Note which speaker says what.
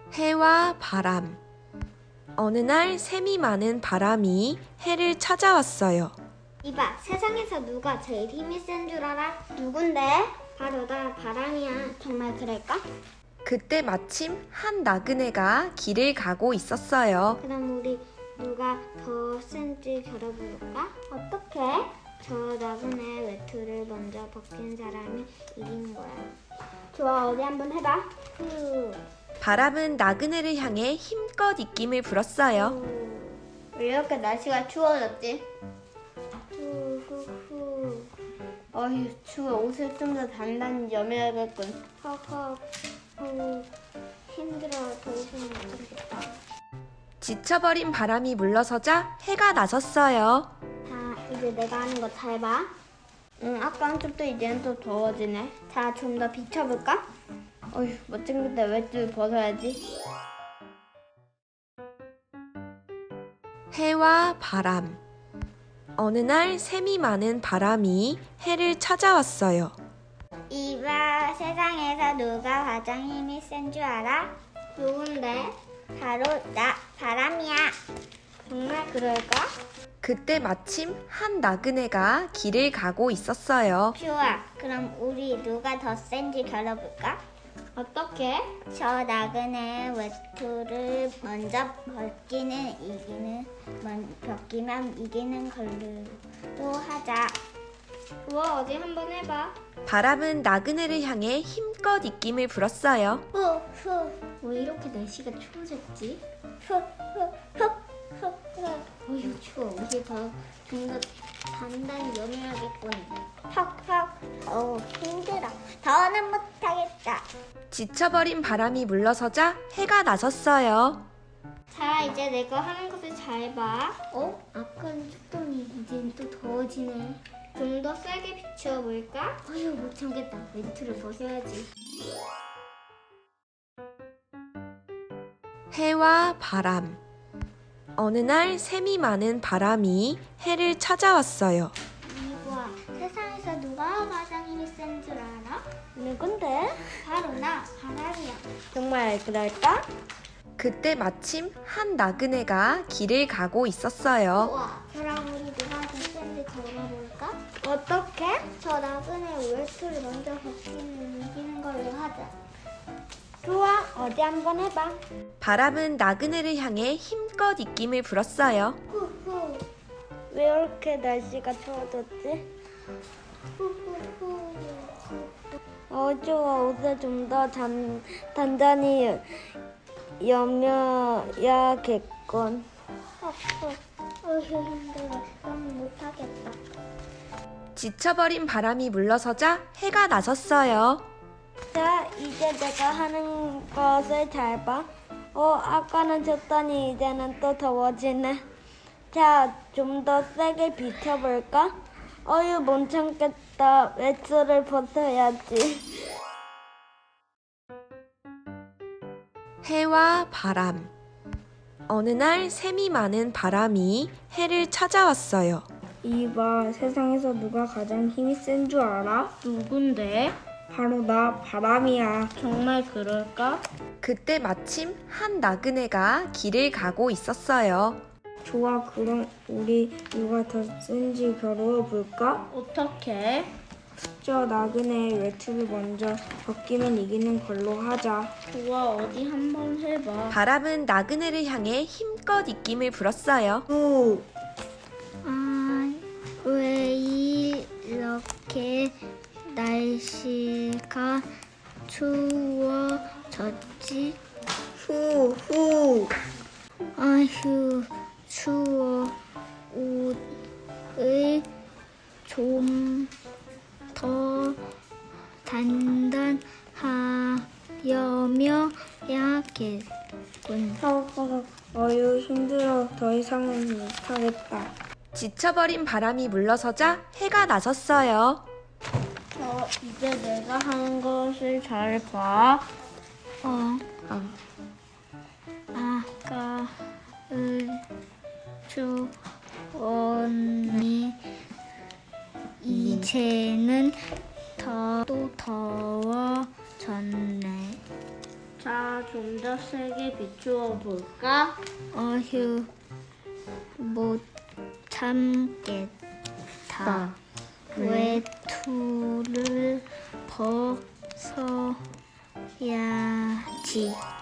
Speaker 1: 해와 바람. 어느 날 샘이 많은 바람이 해를 찾아왔어요.
Speaker 2: 이봐, 세상에서 누가 제일 힘이 센 줄 알아? 누군데? 바로 나, 바람이야. 정말 그럴까?
Speaker 1: 그때 마침 한 나그네가 길을 가고 있었어요.
Speaker 2: 그럼 우리 누가 더 센지 겨뤄볼까? 어떻게? 저 나그네 외투를 먼저 벗긴 사람이 이기는 거야. 좋아, 어디 한번 해봐.
Speaker 1: 바람은 나그네를 향해 힘껏 입김을 불었어요.
Speaker 2: 왜 이렇게 날씨가 추워졌지? 후후후.
Speaker 3: 어휴, 추워. 옷을 좀 더 단단히 여며야겠군.
Speaker 2: 허허. 힘들어. 더 이상 못하겠다.
Speaker 1: 지쳐버린 바람이 물러서자 해가 나섰어요.
Speaker 2: 자, 이제 내가 하는 거 잘 봐.
Speaker 3: 응, 아까 한쪽도 이제는 또 더워지네.
Speaker 2: 자, 좀 더 비춰볼까?
Speaker 3: 어휴, 멋진 건데 외투를 벗어야지.
Speaker 1: 해와 바람. 어느 날 샘이 많은 바람이 해를 찾아왔어요.
Speaker 2: 이봐, 세상에서 누가 가장 힘이 센 줄 알아? 누군데? 바로 나, 바람이야. 정말 그럴까?
Speaker 1: 그때 마침 한 나그네가 길을 가고 있었어요.
Speaker 2: 좋아, 그럼 우리 누가 더 센지 겨뤄볼까? 어떻게? 저 나그네 외투를 먼저 벗기면 이기는 걸로 하자. 좋아, 어디 한번 해봐.
Speaker 1: 바람은 나그네를 향해 힘껏 입김을 불었어요.
Speaker 2: 후. 왜 이렇게 날씨가 추워졌지? 어휴, 추워. 우리 좀 더 단단히 여며야겠군. 힘들어. 더는 못하겠다.
Speaker 1: 지쳐버린 바람이 물러서자 해가 나섰어요.
Speaker 2: 자, 이제 내가 하는 것을 잘 봐. 아까는 춥더니 이젠 또 더워지네. 좀 더 세게 비춰볼까? 어휴, 못 참겠다. 외투를 벗어야지.
Speaker 1: 해와 바람. 어느 날 샘이 많은 바람이 해를 찾아왔어요.
Speaker 2: 이봐, 세상에서 누가 가장 힘이 센 줄 알아?
Speaker 3: 누군데?
Speaker 2: 바로 나, 바람이야.
Speaker 3: 정말 그럴까?
Speaker 1: 그때 마침 한 나그네가 길을 가고 있었어요.
Speaker 2: 우와, 그럼 우리 누가 더 센지 겨뤄볼까?
Speaker 3: 어떻게?
Speaker 2: 저 나그네 외투를 먼저 벗기면 이기는 걸로 하자.
Speaker 3: 좋아, 어디 한번 해봐.
Speaker 1: 바람은 나그네를 향해 힘껏 입김을 불었어요.
Speaker 2: 후후.
Speaker 3: 왜 이렇게 날씨가 추워졌지?
Speaker 2: 후후후.
Speaker 3: 좋아. 옷을 좀 더 단단히 여며야겠군.
Speaker 2: 어휴, 힘들어. 너무 못하겠다.
Speaker 1: 지쳐버린 바람이 물러서자 해가 나섰어요.
Speaker 3: 자, 이제 내가 하는 것을 잘 봐. 아까는 춥더니 이제는 또 더워지네. 자, 좀 더 세게 비춰볼까? 어휴, 못 참겠다. 외투를 벗어야지.
Speaker 1: 해와 바람. 어느 날 샘이 많은 바람이 해를 찾아왔어요.
Speaker 4: 이봐, 세상에서 누가 가장 힘이 센 줄 알아?
Speaker 3: 누군데?
Speaker 4: 바로 나, 바람이야.
Speaker 3: 정말 그럴까?
Speaker 1: 그때 마침 한 나그네가 길을 가고 있었어요.
Speaker 4: 좋아, 그럼 우리 누가 더 센지 겨루어볼까?
Speaker 3: 어떻게?
Speaker 4: 저 나그네 외투를 먼저 벗기면 이기는 걸로 하자.
Speaker 3: 좋아, 어디 한번 해봐.
Speaker 1: 바람은 나그네를 향해 힘껏 입김을 불었어요.
Speaker 4: 후!
Speaker 2: 왜 이렇게 날씨가 추워졌지?
Speaker 4: 후!
Speaker 2: 아휴, 추워. 옷을 좀 더 단단하여며 야겠군.
Speaker 4: 어휴, 힘들어. 더 이상은 못하겠다.
Speaker 1: 지쳐버린 바람이 물러서자 해가 나섰어요.
Speaker 3: 이제 내가 하는 것을 잘 봐.
Speaker 2: 아까은 추웠니 이제는 또 더워졌네.
Speaker 3: 자, 좀 더 세게 비추어 볼까?
Speaker 2: 어휴, 못 참겠다. 외투를 벗어야지.